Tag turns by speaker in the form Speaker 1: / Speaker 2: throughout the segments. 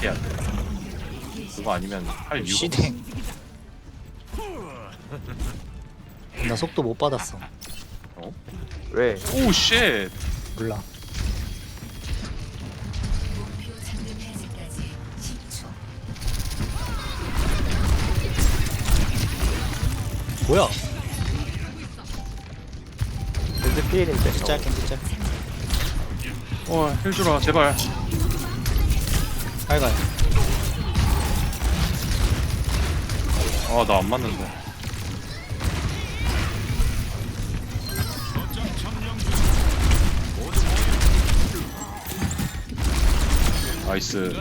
Speaker 1: 해야 돼. 그거 아니면 할 이유가 없어.
Speaker 2: 시댕. 나 속도 못 받았어.
Speaker 1: 어?
Speaker 3: 왜?
Speaker 1: 오 쉣.
Speaker 2: 몰라. 뭐야?
Speaker 3: 렌즈 피일인데.
Speaker 2: 진짜 진짜.
Speaker 1: 힐 주라 제발.
Speaker 2: 빨가요.
Speaker 1: 아 나 안 맞는데. 나이스.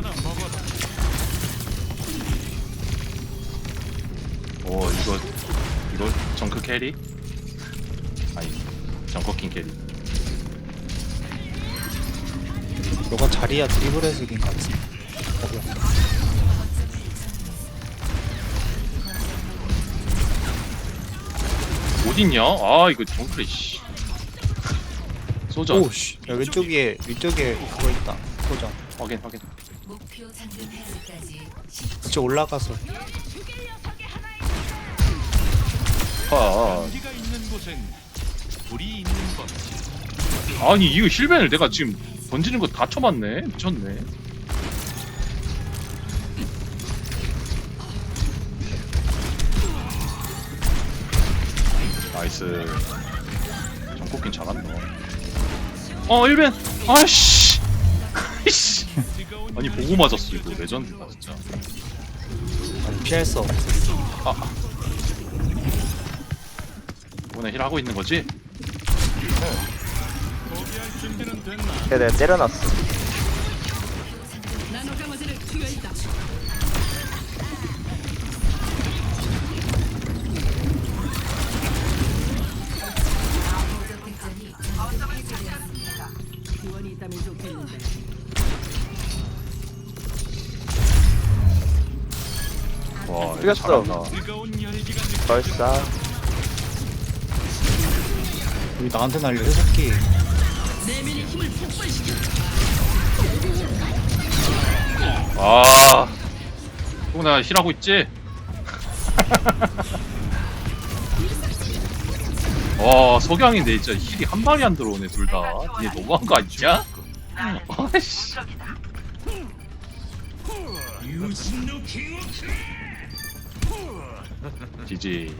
Speaker 1: 오 이거 정크 캐리? 아니 정커킹 캐리.
Speaker 2: 너가 자리야 드리블해서 이긴 거 같지? 뭐야?
Speaker 1: 어딨냐? 아 이거 정크래 씨. 소전.
Speaker 2: 오씨. 야 왼쪽에 그거 있다. 소정.
Speaker 1: 확인.
Speaker 2: 그쪽 올라가서.
Speaker 1: 아.
Speaker 4: 우리가 있는 곳엔 불이 있는 법이지.
Speaker 1: 아니 이거 힐벤을 내가 지금 던지는 거 다 쳐맞네. 미쳤네. 나이스. 정코킹 잘한다. 힐벤. 아씨. 아이씨. 아니 보고 맞았어 이거 레전드다 진짜.
Speaker 2: 아니, 피할 수 없어.
Speaker 1: 이번에 힐 하고 있는 거지?
Speaker 4: 포기할 준비는 됐나?
Speaker 3: 내가 때려놨어.
Speaker 1: 와 이거
Speaker 3: 이겼어.
Speaker 1: 잘한다.
Speaker 4: 뜨거운 열기가
Speaker 3: 벌써.
Speaker 2: 여기 나한테 날려 새끼.
Speaker 1: 아, 또 내가 힐하고 있지? 와, 석양인데 진짜 힐이 한 발이 안 들어오네 둘 다. 얘 너무한 거 아니냐? 아이씨. 지지.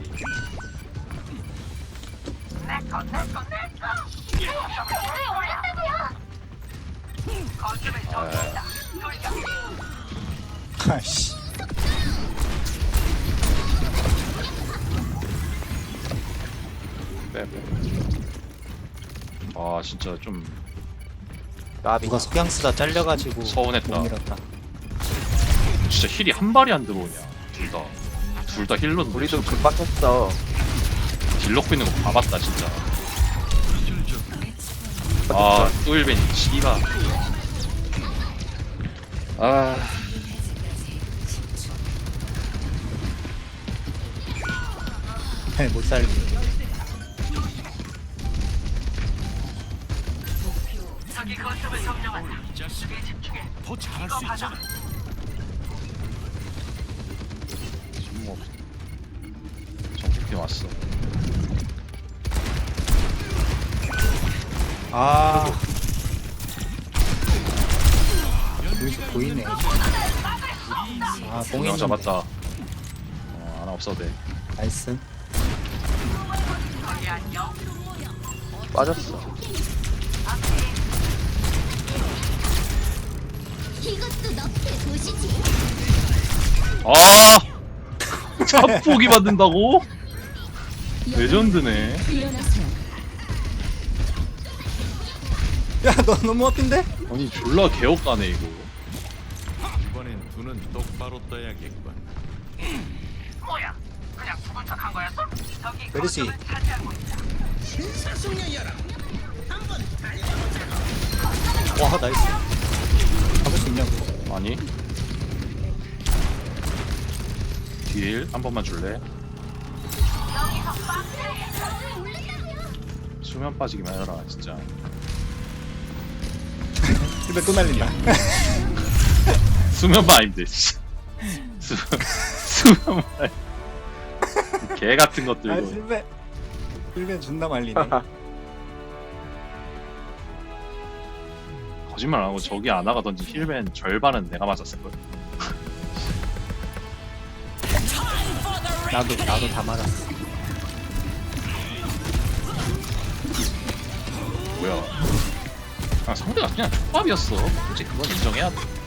Speaker 2: 아씨.
Speaker 1: 아, 진짜 좀
Speaker 3: 나비.
Speaker 2: 누가 석양 쓰다 잘려가지고
Speaker 1: 서운했다.
Speaker 2: 못 밀었다.
Speaker 1: 진짜 힐이 한 발이 안 들어오냐. 둘 다. 둘 다 힐러
Speaker 3: 우리도 급박했어.
Speaker 1: 딜 넣고 있는 거 봐봤다 진짜. 아, 또 일벤이 씨발. 아,
Speaker 2: 못 살리.
Speaker 4: 이 자식이 더 잘할 수 있잖아.
Speaker 1: 지금 뭐 정국이 왔어.
Speaker 2: 아. 여기서 보이네. 아, 뽕이
Speaker 1: 공룡 잡았다. 하나 없어도 돼.
Speaker 2: 나이스.
Speaker 3: 빠졌어.
Speaker 5: 이것도 너의 도시지.
Speaker 1: 아, 잡폭이 받는다고? 레전드네.
Speaker 5: 일어나세요.
Speaker 2: 야, 너 너무 앞인데?
Speaker 1: 아니 졸라 개업가네 이거.
Speaker 4: 이번엔 눈은 똑바로 떠야겠군.
Speaker 2: 메르시. 와, 나이스. 잡을 수 있냐고.
Speaker 1: 아니. 딜 한 번만 줄래? 수면 빠지기만 해라 진짜.
Speaker 2: 집에 또 날린다.
Speaker 1: 수면만 아닌데 수면만 개 같은 것들
Speaker 2: 아
Speaker 1: 이거.
Speaker 2: 실베 존나 말리네.
Speaker 1: 거짓말 안 하고 저기 아나가 던진 힐맨 절반은 내가 맞았을걸.
Speaker 2: 나도 다 맞았어.
Speaker 1: 뭐야. 아, 상대가 그냥 족밥이었어. 솔직히 그건 인정해야 돼.